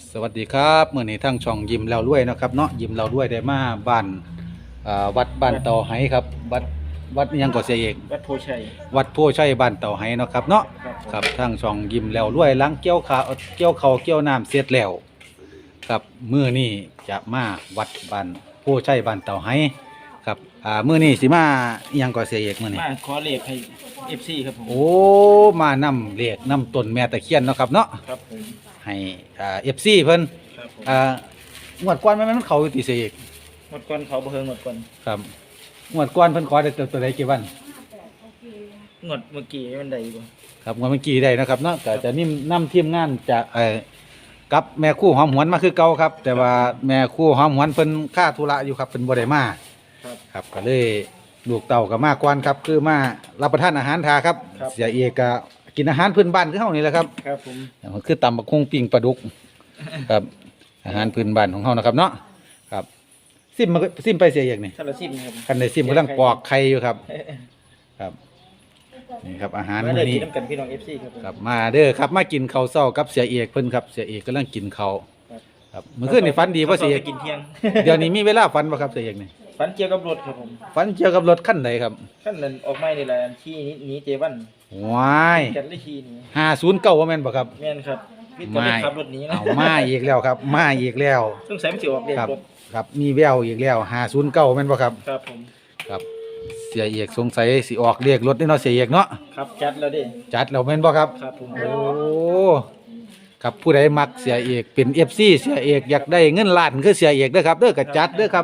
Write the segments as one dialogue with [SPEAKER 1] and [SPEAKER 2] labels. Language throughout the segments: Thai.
[SPEAKER 1] สวัสดีครับเมื่อนี้ทั้งช่องยิ้มแล้วรวยนะครับเนาะยิ้มแล้วรวยได้มาบ้านวัดบ้านเต่าไหครับวัดอิหยังก็เสียเอก
[SPEAKER 2] วัดโพชัย
[SPEAKER 1] วัดโพชัยบ้านเต่าไหเนาะครับเนาะครับทั้งช่องยิ้มแล้วรวยหลังเกี่ยวข้าวเกี่ยวน้ำเสร็จแล้วครับมื้อนี้จะมาวัดบ้านโพชัยบ้านเต่าไหครับมื้อนี้สิมาอิหยังก็เสียเอกมื้อนี้
[SPEAKER 2] มาขอเลขให้ FC ครับผม
[SPEAKER 1] โอ้มานำเลขนำต้นแม่ตะเคียนเนาะครับเนาะ
[SPEAKER 2] ครับผม
[SPEAKER 1] ให้FC เพิ่น
[SPEAKER 2] ครับผม
[SPEAKER 1] งวดก่อนมันเข้าอยู่ติเสียเอก
[SPEAKER 2] หมดก่อนเขาบ่เฮิงหมดก่อน
[SPEAKER 1] ครับงวดก่อนเพิ่นขอได้ตัวใดกี่วัน
[SPEAKER 2] งวดเมื่อกี้มันได้บ่
[SPEAKER 1] ครับงวดเมื่อกี้ได้นะครับเนาะก็จะนิ่มนำทีมงานจากกับแม่คู่หอมหวนมาคือเก่าครับ แต่ว่าแม่คู่หอมหวนเพิ่นค่าธุระอยู่ครับเพิ่นบ่ได้มาครับก็เลยลูกเต่าก็มาก่อนครับคือมารับประทานอาหารทาครับเสียเอกก็กินอาหารพื้นบ้านคือเฮานี่แหละครับ
[SPEAKER 2] ครับผม
[SPEAKER 1] มันคือตำบักหุ่งปิ้งปลาดุกครับอาหารพื้นบ้านของเฮานะครับเนาะครับซิมไปเสียเอกนี่
[SPEAKER 2] ถ้าเราซิมครับ
[SPEAKER 1] คันได้ซิมกำลังปอกไข่อยู่ครับครับนี่ครับอาหารมื้อนี้
[SPEAKER 2] กินกันพี่น้อง FC ครับ
[SPEAKER 1] ครับมาเด้อครับมากินข้าวเช้ากับเสียเอกเพิ่นครับเสียเอกกำลังกินข้าวครับมื้อคืนนี่ฝันดีบ่เสียเอก
[SPEAKER 2] กินเที่ยง
[SPEAKER 1] เดี๋ยวนี้มีเวลาฝันบ่ครับเสียเอกนี่
[SPEAKER 2] ฝันเกี่ยวกับรถครับผม
[SPEAKER 1] ฝันเกี่ยวกับรถคันใดครับ
[SPEAKER 2] คันนั้นออกใหม่นี่แหละที่นี้เจวัน
[SPEAKER 1] ว้าย
[SPEAKER 2] กันเลยทีนี้
[SPEAKER 1] 509ว่าแม่นบ่ครับ
[SPEAKER 2] แม่นครับพี่ตัวนี้ขับรถนี้นะ
[SPEAKER 1] เอามาอีกแล้วครับมาอีกแล้ว
[SPEAKER 2] สงสัยมันสิออกเลขรถ
[SPEAKER 1] ครับมีแววอีกแล้ว509แม่นบ่ครับ
[SPEAKER 2] ครับผม
[SPEAKER 1] ครับเสียเอกสงสัยสิออกเลขรถนี่เนาะเสียเอกเนาะ
[SPEAKER 2] ครับจัดแล้วเด้
[SPEAKER 1] จัดแล้วแม่นบ่ครับ
[SPEAKER 2] ครับผม
[SPEAKER 1] โอ้ครับผู้ใดมักเสียเอกเป็น FC เสียเอกอยากได้เงินล้านคือเสียเอกเด้อครับเด้อก็จัดเด้อครับ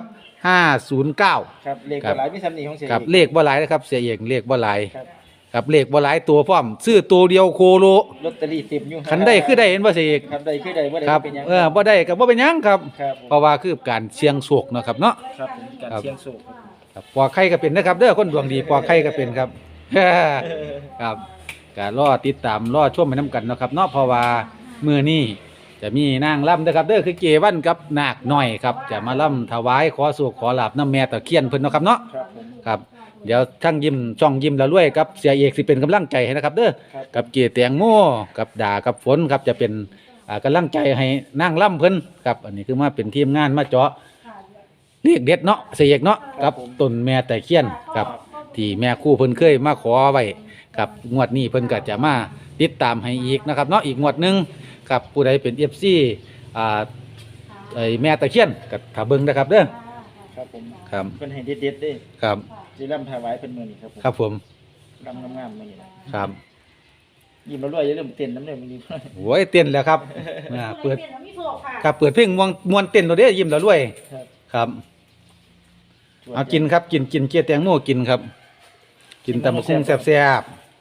[SPEAKER 1] 509
[SPEAKER 2] ครับเลขบ่หลายมีซ้ำนี้ของเสีย
[SPEAKER 1] ครับเลขบ่หลายนะครับเสียเอกเลขบ่หลาย
[SPEAKER 2] ครับ
[SPEAKER 1] ครับเลขบ่หลายตัวพร้อมซื้อตัวเดียวโคโล
[SPEAKER 2] ลอตเตอรี่เต็มอยู่
[SPEAKER 1] คันได้คือได้เห็นบ่เสียเอก
[SPEAKER 2] ครับได้คือได้บ่ได้
[SPEAKER 1] ครับ
[SPEAKER 2] เป็นหยัง
[SPEAKER 1] บ่ได้ก็บ่เป็นหยังครับ
[SPEAKER 2] ครับ
[SPEAKER 1] เพราะว่าคือการเสี่ยงโชคเนาะครับเนาะ
[SPEAKER 2] ครับผมการเสี่ยงโชค
[SPEAKER 1] ครับปอกไข่ก็เป็นนะครับเด้อคนดวงดีปอกไข่ก็เป็นครับครับก็รอติดตามรอชมไปนํกันเนาะครับเนาะเพราะว่ามื้อนี้จะมีนางล่ำนะครับเด้อคือเกวันกับนาคน้อยครับจะมาล่ำถวายขอโชคขอลาภน้ำแม่ตะเคียนเพิ่นเนาะครับเนาะ
[SPEAKER 2] ครับผม
[SPEAKER 1] ครับเดี๋ยวทั้งยิ้มช่องยิ้มแล้วรวยครับเสียเอกสิเป็นกำลังใจให้นะครับเด้อกับเกแตงโมกับด่ากับฝนครับจะเป็นกำลังใจให้นั่งล่ำเพิ่นครับอันนี้คือมาเป็นทีมงานมาเจาะเรียกเด็ดเนาะเสียเอกเนาะกับต้นแม่ตะเคียนครับที่แม่คู่เพิ่นเคยมาขอไว้ครับงวดนี้เพิ่นก็จะมาติดตามให้อีกนะครับเนาะอีกงวดนึงครับผู้ใดเป็น FC ไอ้แม่ตะเคียนก็ถ้าเบิ่งนะครับเด้อ
[SPEAKER 2] ครับผม
[SPEAKER 1] ครับ
[SPEAKER 2] เพิ่นให้เด็ดๆเด้
[SPEAKER 1] ครับ
[SPEAKER 2] สิรำถวายเพิ่นมื้อนี้ครับผม
[SPEAKER 1] ครับผม
[SPEAKER 2] รำงามๆมื้อนี้ครับยิ้มแล้วรวยอย่าลืมเต้นน้ำเด้อมื้อนี้
[SPEAKER 1] โอ้ยเต้นแล้วครับเปิดครับเปิดเพลงมวนเต้นตัวเด้อยิ้มแล้วรวยครับเอากินครับกินเกี๊ยวแตงโมกินครับกินตำบักหุ่งแซ่บ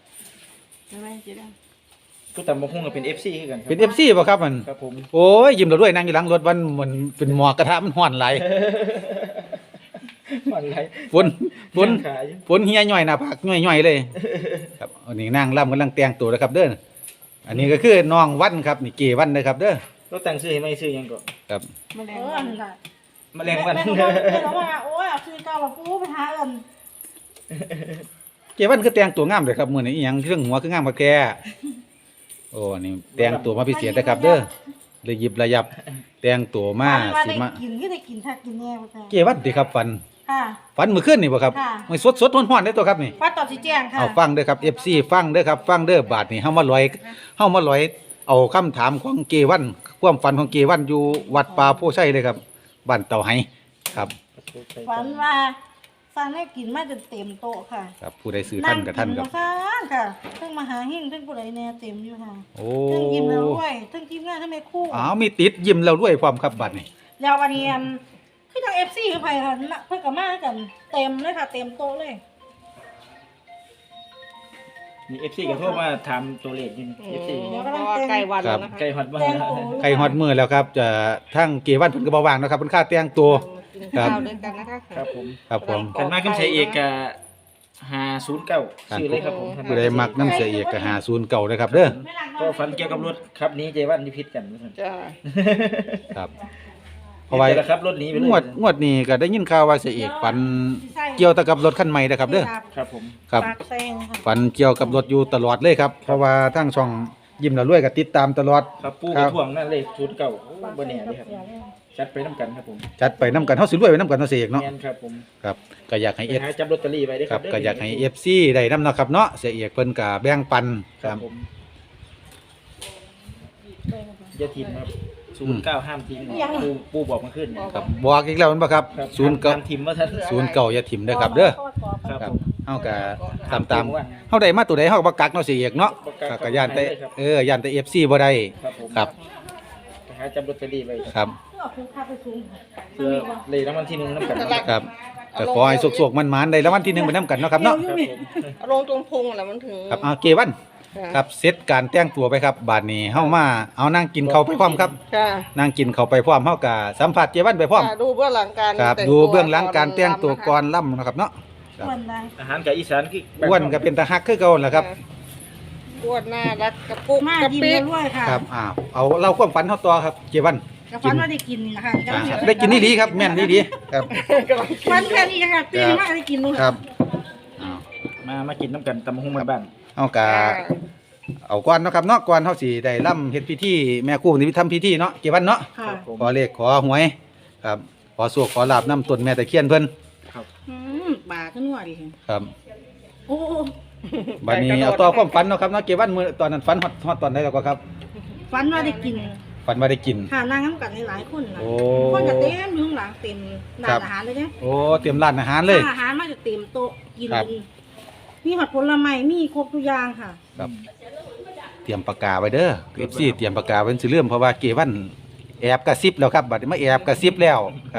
[SPEAKER 2] ผู้ตำบักหุ่งก็เป็น FC คือกันครับ
[SPEAKER 1] เป็น FC บ่ครับมัน
[SPEAKER 2] ครับผม
[SPEAKER 1] โอ้ยยิ้มแล้วรวยนั่งอยู่หลังรถวันมันเป็นหมอกกระทะมันร้อนหลายฝนเฮียย่อยหน้าผากย่อยเลยครับอันนี้นางล่ำกำลังแต่งตัวแล้วครับเด้ออันนี้ก็คือน้องวันครับนี่เกวันนะครับเด้อ
[SPEAKER 2] เราแต่งชื่อให้ไม่ชื่อยังก่อน
[SPEAKER 1] ครับ
[SPEAKER 3] แมลงวันค่ะ
[SPEAKER 2] แมลงวัน
[SPEAKER 3] โอ้ยเอาชื่อเก่าว่าปูไปหาเอิ้น
[SPEAKER 1] เกวันคือแต่งตัวงามเลยครับมื้อนี้อีหยังเครื่องหัวคืองามกว่าแกโอ้นี่แต่งตัวมาพิเศษนะครับเด้อเลยหยิบระยับแต่งตัวมาสิมา
[SPEAKER 3] กินก็ได้กินถ้ากินแน่บ่ค่ะ
[SPEAKER 1] เกวันติครับฟันมื้อคืนนี่บ่ครับมันสดๆร้อนๆได้ตัวครับนี่
[SPEAKER 3] ฟันตอนสิแจ้งค่ะ
[SPEAKER 1] เอาฟังเด้อครับ FC ฟังเด้อครับฟังเด้อบาดนี้เฮามาลอยเอาคำถามของเกวันความฝันของเกวันอยู่วัดป่าโพชัยเลยครับบ้านเต่าไหครับ
[SPEAKER 3] ฝันว่าสั่งให้กินมาจนเต็มโต๊ะค่ะ
[SPEAKER 1] ครับผู้ใดซื้อท่านกับท่านครับ
[SPEAKER 3] ค่ะเพิ่งมาหาหิ้งเพิ่งผู้ใดแน่เต็มอยู่ค่ะ
[SPEAKER 1] โอ้
[SPEAKER 3] เพิ่งยิ้มแล้วด้วยเพิ่งทีมงานทำไมคู่
[SPEAKER 1] มีติดยิ้มแล้วด้วยความครับบัดนี้
[SPEAKER 3] แล้ววันนี้คือทาง FC คือไผค่ะเพิ่นก็มากันเต็มเลยค่ะเต็มโต๊ะเลย
[SPEAKER 2] มี FC ก็โทรมาถามตัวเลขอยู่ FC
[SPEAKER 3] ใกล้วันแล้วนะคะ
[SPEAKER 2] ใกล้ฮอดมื้อ
[SPEAKER 1] ใกล้ฮอดมื้อแล้วครับจะทั้งเกวันเพิ่นก็บ่ว่างนะครับเพิ่นค่าแต่งตัว
[SPEAKER 3] ครับ
[SPEAKER 2] ครับผม
[SPEAKER 1] ครับผม
[SPEAKER 2] กันมาคำใช้เอกก็509ชื่อเลยครับผม
[SPEAKER 1] ผู้ใดมักน้ำเสียเอกก็509เลยครับเด้อ
[SPEAKER 2] ก็ฝันเกี่ยวกับรถครับนี้เจวันนิพิษกัน
[SPEAKER 3] จ้า
[SPEAKER 1] ครับเพราะว่า
[SPEAKER 2] ครับรถนี้ไปเลย
[SPEAKER 1] งวดนี้ก็ได้ยินข่าวว่าเสียเอกฝันเกี่ยวกับรถคันใหม่นะครับเด้อ
[SPEAKER 2] ครับผม
[SPEAKER 1] ครับฝันเกี่ยวกับรถอยู่ตลอดเลยครับเพราะว่าทั้งช่องยิ้มแล้วรวยก็ติดตามตลอด
[SPEAKER 2] ครับปู
[SPEAKER 1] ค
[SPEAKER 2] ก
[SPEAKER 1] รั
[SPEAKER 2] ระ
[SPEAKER 1] บ
[SPEAKER 2] ท่วงนั่นเลขชุดเก่าโอ้บ่แน่เลยครับจัดไปน้ำกันครับผม
[SPEAKER 1] จัดไปนํกันเฮาสิรวยไปนํกันเนาะเสียเอกเนาะ
[SPEAKER 2] แม่นครับผม
[SPEAKER 1] ครับก็อยากให้
[SPEAKER 2] ไปหาจับลอตเตอรี่ไว้เด้อ
[SPEAKER 1] ค
[SPEAKER 2] ค
[SPEAKER 1] รั
[SPEAKER 2] รั
[SPEAKER 1] บบ ก็อยากให้ FC ได้นํเนาะครับเนาะเสียเอกเพิ่นก็แบ่งปัน
[SPEAKER 2] ค
[SPEAKER 1] ค
[SPEAKER 2] รั
[SPEAKER 1] รั
[SPEAKER 2] บบ ผมอย่าทิมครับ09ห้ามทิ้งปูบอกมาขึ้น
[SPEAKER 1] ครับบอกอีกแล้วแม่นบ่ครับ
[SPEAKER 2] ครับ
[SPEAKER 1] ศูนย์เก้า
[SPEAKER 2] ห้ามทิมว่าท่าน
[SPEAKER 1] ศูนย์เก้าอย่าถิ่มเด้อครับเด้อ
[SPEAKER 2] ครับ
[SPEAKER 1] ครับ
[SPEAKER 2] ผม
[SPEAKER 1] เฮาก็ตามเฮาได้มาตัวใดเฮาก็บ่กักเนาะเสียเอกเนาะ
[SPEAKER 2] บ่กักครับ
[SPEAKER 1] ก็ย่านแต่
[SPEAKER 2] ครับ
[SPEAKER 1] ย่านแต่ FC บ่ได้
[SPEAKER 2] ครับผม
[SPEAKER 1] ครับ
[SPEAKER 2] ไปหาจับลอตเตอรี่ไว้
[SPEAKER 1] ครับ
[SPEAKER 2] เพื่อเลยรางวัลที่หนึ่งน้ำกันครับ
[SPEAKER 1] ครับก็ขอให้สุกๆมันๆได้รางวัลที่1ไปนํกันเนาะครับเนาะ
[SPEAKER 2] ผม
[SPEAKER 4] เอาลงตรงพุงแหละมันถึง
[SPEAKER 1] ครับเกวันครับเซตการแต่งตัวไปครับบาดนี้เฮามาเอานั่งกินข้าวไปพร้อมครับ
[SPEAKER 4] ค่ะ
[SPEAKER 1] นั่งกินข้าวไปพร้อมเฮาก็สัมผัสเกวันไปพร้อม
[SPEAKER 4] ดูเบื้องหลังการ
[SPEAKER 1] ครับ
[SPEAKER 4] แต่ง
[SPEAKER 1] ดู
[SPEAKER 4] ตัว
[SPEAKER 1] เบื้องหลังการแต่งตัวก่อนล่ำนะครับเนาะ
[SPEAKER 3] อ้วนได้
[SPEAKER 2] อาหารกับอีสานคือแบบ
[SPEAKER 1] อ้วนก็เป็นตาฮักคือเก่าแหละครับ
[SPEAKER 4] อ้วนน่ารักกระปุก
[SPEAKER 3] มาก
[SPEAKER 4] ระ
[SPEAKER 3] ยิ้ม
[SPEAKER 4] ปิก
[SPEAKER 3] รวยค่ะ
[SPEAKER 1] ครับเอาเล่าความฝันเฮาต่อครับเกวัน
[SPEAKER 3] กับฟันว่าได้กินนะคะ
[SPEAKER 1] ได้กินนี่ดีครับแม่นนี่ดีครับ
[SPEAKER 3] ฟันแค่นี้ค่ะตีมากได้กินนู่น
[SPEAKER 1] ครับ
[SPEAKER 2] มากินน้ำกันตำหุ้งมาบ้าน
[SPEAKER 1] เฮาก็เอาก่อนเนาะครับเนาะก่อนเฮาสิได้ล่ำเฮ็ดพิธีแม่ครูนี่ทำพิธีเนาะเกวันเนาะ
[SPEAKER 3] ค่ะ
[SPEAKER 2] ครับผม
[SPEAKER 1] ขอเลขขอหวยครับขอโชคขอลาบนํต้นแม่ตะเคียนเพิ่น
[SPEAKER 3] บาขึ้นหัวดิ
[SPEAKER 1] ครับ
[SPEAKER 3] โอ้
[SPEAKER 1] บัดนี้เอาต่อความฝันเนาะครับเนาะเกวันมื้อตอนนั้นฝันฮอดตอนใดแล้วก็ครับ
[SPEAKER 3] ฟันว่าได้กิน
[SPEAKER 1] ฝันว่าได้กิน
[SPEAKER 3] ค่ะนั่งน้ำกันหลายคนนะ
[SPEAKER 1] โอ้
[SPEAKER 3] คนจะเต็มอยู่ข้างหลังเต็มร้านอาหารเลยเนี่ย
[SPEAKER 1] โอ้เตรียมร้านอาหารเลย
[SPEAKER 3] อาหารมาจะเต็มโต๊ะกิน
[SPEAKER 1] ครับ
[SPEAKER 3] มีผัดผลไม้มีครบทุกอย่างค่ะ
[SPEAKER 1] ครับเตรียมปากกาไว้เด้อ FC เตรียมปากกาไว้สิเริ่มเพราะว่าเกวันแอบกระซิบแล้วครับบัดนี้มาแอบกระซิบแล้วครับ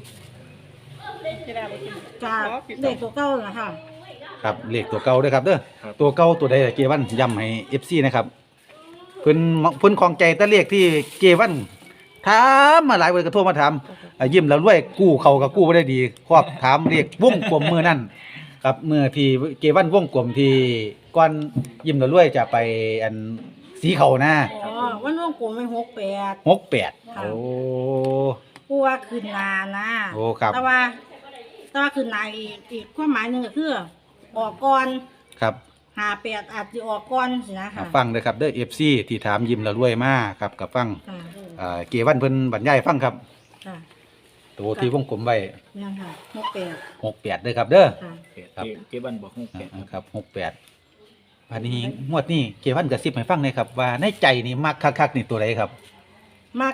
[SPEAKER 3] จากเด็กตัวเก่าน่ะค่ะ
[SPEAKER 1] ครับเลขตัวเก่าเด้อครับเด้อตัวเก่าตัวใดล่ะเกวันย้ำให้ FC นะครับเพิ่นของใจแต่เลขที่เกวันถามมาหลายวันก็โทรมาถามยิ้มแล้วรวยกู้เขาก็กู้บ่ได้ดีครอบถามเลขวงกลมมือนั่นครับมือที่เกวันวงกลมที่ก่อนยิ้มแล้วรวยจะไปอันสีเขานะ
[SPEAKER 3] อ๋อวันร่วงกลมไป68
[SPEAKER 1] 68
[SPEAKER 3] ค่ะ
[SPEAKER 1] โอ้
[SPEAKER 3] ผู้ว่าคืนนานะ
[SPEAKER 1] โอ้ครับ
[SPEAKER 3] แต่ว่าคืนนาอีกความหมายหนึงก็คือออกก่อน
[SPEAKER 1] ครับ
[SPEAKER 3] 58อาจจะออกก่อนสินะค่ะ
[SPEAKER 1] ฟังเด้อครับเด้อ FC ที่ถามยิ้มแล้วรวยมาครับกับฟัง
[SPEAKER 3] ค่ะ
[SPEAKER 1] เกวันเพิ่นบรรยายฟังครับ
[SPEAKER 3] ค่ะ
[SPEAKER 1] ตัวที่วงกลมไว้
[SPEAKER 3] นี่นค่ะ68
[SPEAKER 1] 68เด้อครับเด้อ
[SPEAKER 3] ค่ะ
[SPEAKER 1] ครับ
[SPEAKER 2] เก็บบันบอกหุ้งแปด
[SPEAKER 1] ครับ68อันนี้งวดนี้เกวันกระซิบให้ฟังหน่อยครับว่าในใจนี่มักคักๆนี่ตัวใดครับ
[SPEAKER 3] มัก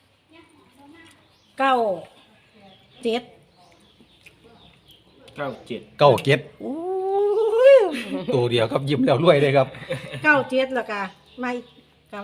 [SPEAKER 3] 9 7
[SPEAKER 2] 97
[SPEAKER 1] 97โอ้ยตัวเดียวครับยิ้มแล้วรวยเลยครับ
[SPEAKER 3] 97แล้วก็ไม่กับ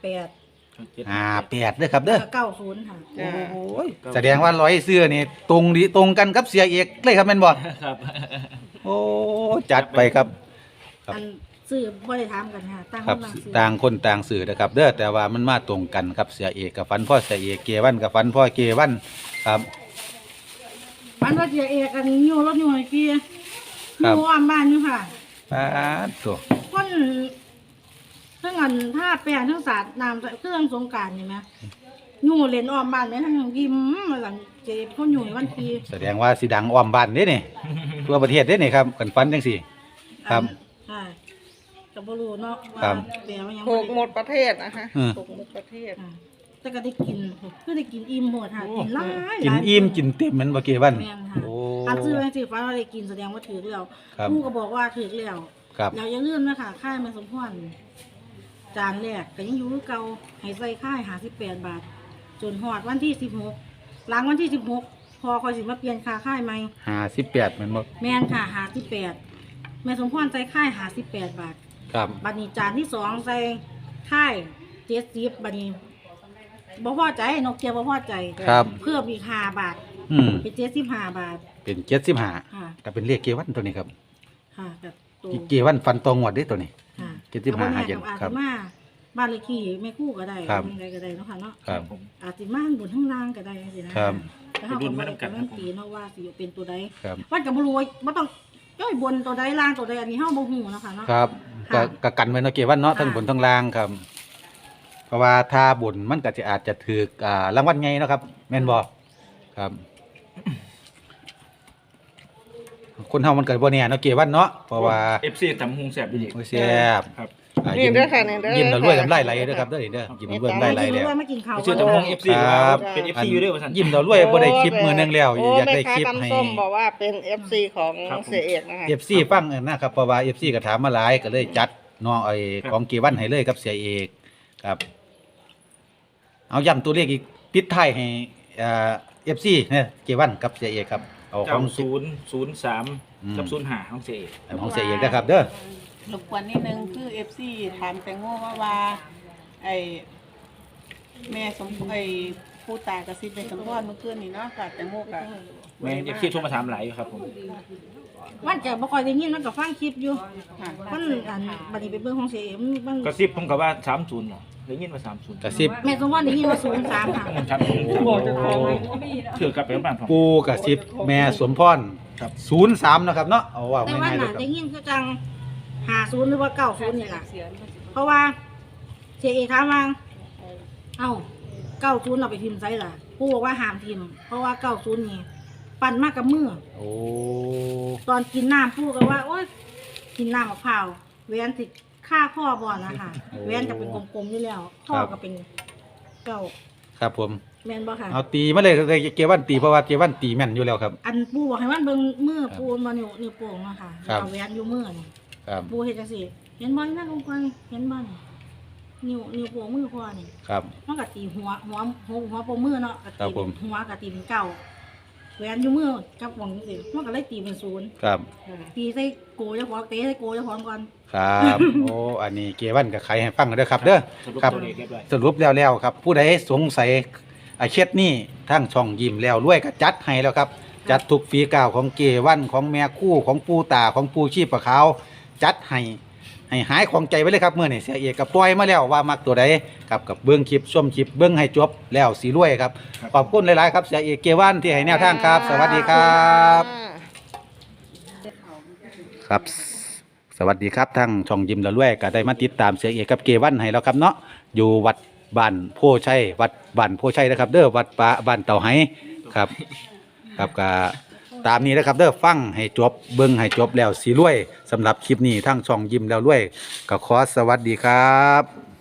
[SPEAKER 3] 58
[SPEAKER 1] 58เด้อครับเด้อ
[SPEAKER 3] 90ค่ะ
[SPEAKER 1] โอ้ยแสดงว่าร้อยเสื้อนี่ตรงกันกับเสียเอกเลยครับแม่นบ่
[SPEAKER 2] ครับ
[SPEAKER 1] โอ้จัดไปครับ ครับ
[SPEAKER 3] อันซื้อบ่ได้ถามกันค่ะตั้ง
[SPEAKER 1] ครับ
[SPEAKER 3] กำลังซื้อ
[SPEAKER 1] ต่างคนต่างสื่อนะครับ เด้อแต่ว่ามันมาตรงกันครับเสียเอกกับฟันพ่อเสียเอกเกวันกับฟันพ่อเกวันครับ
[SPEAKER 3] มันว่าเสียเอกกันอยู่รถอยู่ไอ้กี้
[SPEAKER 1] ครับ
[SPEAKER 3] อยู่อ้อมบ้านอยู่ค่ะ
[SPEAKER 1] ปาดตัว
[SPEAKER 3] คนทั้งอันท่าแปลงทั้งสาดน้ำเครื่องสงกรารเห็นไหมอยู่เล่นอ้อมบ้านไหมทั้งยิ้มหลังเจ็บคนอยู่ในวันที
[SPEAKER 1] แสดงว่าสิดังอ้อมบ้านเด้นี่ ทั่วประเทศเด้นี่ครับกันฟันจังสี่ ครับ
[SPEAKER 3] ใช่กับบรูเนาะว่า
[SPEAKER 1] ครับ
[SPEAKER 3] แปลว่ายัง
[SPEAKER 4] ถูกหม
[SPEAKER 3] บ่
[SPEAKER 4] ดประเทศนะคะ
[SPEAKER 1] อืม
[SPEAKER 4] ถูกหมดประเทศ
[SPEAKER 3] ค่ะแต่ก็ได้กินก็ได้กินอิ่มหมดค่ะกินหลาย
[SPEAKER 1] กิน
[SPEAKER 3] หลาย
[SPEAKER 1] อิ่มกินเต็มแมันบ่เกวัน
[SPEAKER 3] แม่นค่ะ
[SPEAKER 1] โอ้
[SPEAKER 3] อันซื้อแมงสีฟ้าเราได้กินแสดงว่าถือแล้ว
[SPEAKER 1] ครับ
[SPEAKER 3] ผู้ก็บอกว่าถือแล้ว
[SPEAKER 1] ครับ
[SPEAKER 3] เราอย่าลืมนะคะค่ายแม่สมพรจานแรกก็ยังอยู่คือเก่าให้ใส่ค่าย58 บาท จนหอดวันที่16หลังวันที่16พอคอยสิมาเปลี่ยนค่าค่ายใหม่
[SPEAKER 1] 58แมันบ่
[SPEAKER 3] แม่นค่ะ58แม่สมพรใส่ค่าย58 บาท
[SPEAKER 1] ครับ
[SPEAKER 3] บัดนี้จานที่สองใส่ค่าย70บัดนี้บ่พอใจนกเกียวบ่พอใจ
[SPEAKER 1] ครับ
[SPEAKER 3] เพิ่มอีก5 บาท
[SPEAKER 1] อืม
[SPEAKER 3] เป็น75 บาท
[SPEAKER 1] เป็น75
[SPEAKER 3] ค่ะ
[SPEAKER 1] ก็เป็นเลขเกวันตัวนี้ครับ
[SPEAKER 3] ค่ะกับตัว
[SPEAKER 1] เกวันฟันตองวดเด้ตัวนี้
[SPEAKER 3] ค่ะ
[SPEAKER 1] 75
[SPEAKER 3] อา
[SPEAKER 1] เย็น
[SPEAKER 3] อาจ
[SPEAKER 1] ครั
[SPEAKER 3] จะ
[SPEAKER 1] บ
[SPEAKER 3] มาบ้านเลขที่แม่คู่ก็ได้
[SPEAKER 1] ครับ
[SPEAKER 3] ยังไงก็ได้เนาะค่ะเนาะ
[SPEAKER 1] ครับ
[SPEAKER 3] อาจจะมาบนข้างล่างก็ได้สินะครับ แล้วเขาก็บ่ได้การันตีเนาะว่าสิเป็นตัวใด
[SPEAKER 1] ครับ
[SPEAKER 3] วันกับบ่รู้ว่าบ่ต้องย่อยบนตัวใดล่างตัวใดอันนี้เฮาบ่ฮู้เนาะค่ะเนาะ
[SPEAKER 1] ครับก็
[SPEAKER 3] ค่ะ
[SPEAKER 1] ก็กันไว้เนาะเกวันเนาะ
[SPEAKER 3] ค่ะ
[SPEAKER 1] ทั้งบนทั้งล่างครับ เพราะว่าถ้าบนมันก็จะอาจจะถือรางวัลไงเนาะครับ แม่นบ่ครับ คนเฮามันก็บ่แน่เนาะเกวันเนาะเพราะว่า
[SPEAKER 2] FC ตำหุ้งแซ่บดี
[SPEAKER 1] โอ้ยแซ่บ
[SPEAKER 2] ครับ
[SPEAKER 4] นี่เด้อค่ะนี่เด้อ
[SPEAKER 1] ยิ้มแล้วรวยน้ำลายไหลเด้อครับเด้อนี่เด้อยิ้มแล้วรวยน้ำลายไหลแล้ว
[SPEAKER 3] มากินข้าว
[SPEAKER 2] ไปชื่อตำรวจ FC
[SPEAKER 1] ครับ
[SPEAKER 2] เป็น FC อยู่ด้วยว่าซั่น
[SPEAKER 1] ยิ้มแล้วรวยบ่ได้คลิปมื้อนึงแล้ว
[SPEAKER 4] โอ้
[SPEAKER 1] อยากได้คลิป
[SPEAKER 4] แม่
[SPEAKER 1] ให้
[SPEAKER 4] ค้าตำส้มบอกว่าเป็น FC ของ
[SPEAKER 2] ครับผม
[SPEAKER 4] เสียเอกนะคะ
[SPEAKER 1] FC ฟังนะครับเพราะว่า FC ก็ถามมาหลายก็เลยจัดน้องไอ้ของเกวันให้เลยกับเสียเอกครับ เอาย้ำตัวเลขอีกปิดท้ายให้FC เนี่ยเกวันกับเสียเอกครับเอาของ
[SPEAKER 2] 9003กับ05ของเสก
[SPEAKER 1] ของเสียเอกนะครับเด้อ
[SPEAKER 5] รบกวนนิดนึงคือ FC ถามแตงโมว่าไอ้แม่สมไอ้ผู้ตายกระซิบเป็นสมพรเมื่อคืนนี้เนาะกับแตงโมกับ
[SPEAKER 2] แม่ FC โทรมาถามหลายอยู่ครับผม
[SPEAKER 3] มันจะบ่ค่อยได้ยินมันก็ฟังคลิปอยู่
[SPEAKER 5] ค่ะ
[SPEAKER 3] มันอันบัดนี้ไปเบิ่งของเสียเอ็มมัน
[SPEAKER 2] กระซิบผมก็ว่า30เหรอได้ยินว่า30
[SPEAKER 1] กระซิบ
[SPEAKER 3] แม่สมพรได้ยินว่า03ค่ะ
[SPEAKER 2] ครับถือกลับไปบ้านผม
[SPEAKER 1] ปูกระซิบแม่สมพร
[SPEAKER 2] ครับ
[SPEAKER 1] 03นะครับเนาะเอาว่า
[SPEAKER 3] แต่ว่า
[SPEAKER 1] ง่ายๆเล
[SPEAKER 3] น่ะ
[SPEAKER 1] ยครับ
[SPEAKER 3] ได้ยินคือจัง50หรือว่า90นี่ล่ะเพราะว่าเสียเอกถามว่าเอ้า90เอาไปพิมพ์ไสล่ะปู่บอกว่าห้ามพิมพ์เพราะว่า90นี่ปั่นมากับมือ
[SPEAKER 1] โอ้
[SPEAKER 3] ตอนกินน้ำปู่ก็ว่าโอ๊ยกินน้ำมะพร้าวแหวนสิค่าข้อบ่นะคะแหวนจะเป็นกลมๆอยู่แล้วข้อก็เป็นเก้า
[SPEAKER 1] ครับผม
[SPEAKER 3] แม่นบ่ค่ะ
[SPEAKER 1] เอาตีมาเลยเกวันตีเพราะว่าเกวันตีแม่นอยู่แล้วครับ
[SPEAKER 3] อันปูบอกให้มันเบิ่งมือปูมานิ้วโป่งเนาะค่ะ
[SPEAKER 1] ครับ
[SPEAKER 3] เอาแหวนอยู่มือนี่
[SPEAKER 1] ครับ
[SPEAKER 3] ปูเฮ็ดจังซี่เห็นบ่นี่นั่นลงไปเห็นบ่นี่นิ้วโป่งมือพ่อนี่
[SPEAKER 1] ครับ
[SPEAKER 3] มันก็ตีหัวโป่งมือเนาะก็
[SPEAKER 1] ครั
[SPEAKER 3] ตี
[SPEAKER 1] บผม
[SPEAKER 3] หัวก็ตีเป็นเก้าแหวนอยู่มือกับหวังจังซี่มันก็เลยตีเป็นศูนย์
[SPEAKER 1] ครับ
[SPEAKER 3] ตีใส่โกเจ้าของเตะใส่โกเจ้าของก่อน
[SPEAKER 1] ครับ โอ้อันนี้เกวันกับใครให้ฟังกันเด้อครับเด้อ
[SPEAKER 2] สรุป
[SPEAKER 1] ครับ
[SPEAKER 2] ตัวเลขเรียบร้อย
[SPEAKER 1] สรุปแล้วครับ ผู้ใดสงสัยเคล็ดนี้ทั้งช่องยิ้มแล้วรวยก็จัดให้แล้วครับ จัดทุกฝีก้าวของเกวันของแม่คู่ของปูตาของปูชีพปะขาวจัดให้หายของใจไว้เลยครับเมื่อนี่เสียเอกกับปล่อยมาแล้วว่ามักตัวใดครับกับเบื้องคลิปชมคลิปเบื้องให้จบแล้วสีรวยครับขอบคุณหลายๆครับเสียเอกเกวันที่ให้แนวทางครับ สวัสดีครับ ครับ สวัสดีครับทั้งช่องยิมละล้วยก็ได้มาติดตามเสียเอกกับเกวันให้แล้วครับเนาะอยู่วัดบ้านโพชัยวัดบ้านโพชัยนะครับ เด้อวัดป่าบ้านเต่าไหครับ ครับก็ตามนี้นะครับเด้อฟังให้จบเบิ่งให้จบแล้วสีรวยสำหรับคลิปนี้ทั้งช่องยิมแล้วรวยก็ขอสวัสดีครับ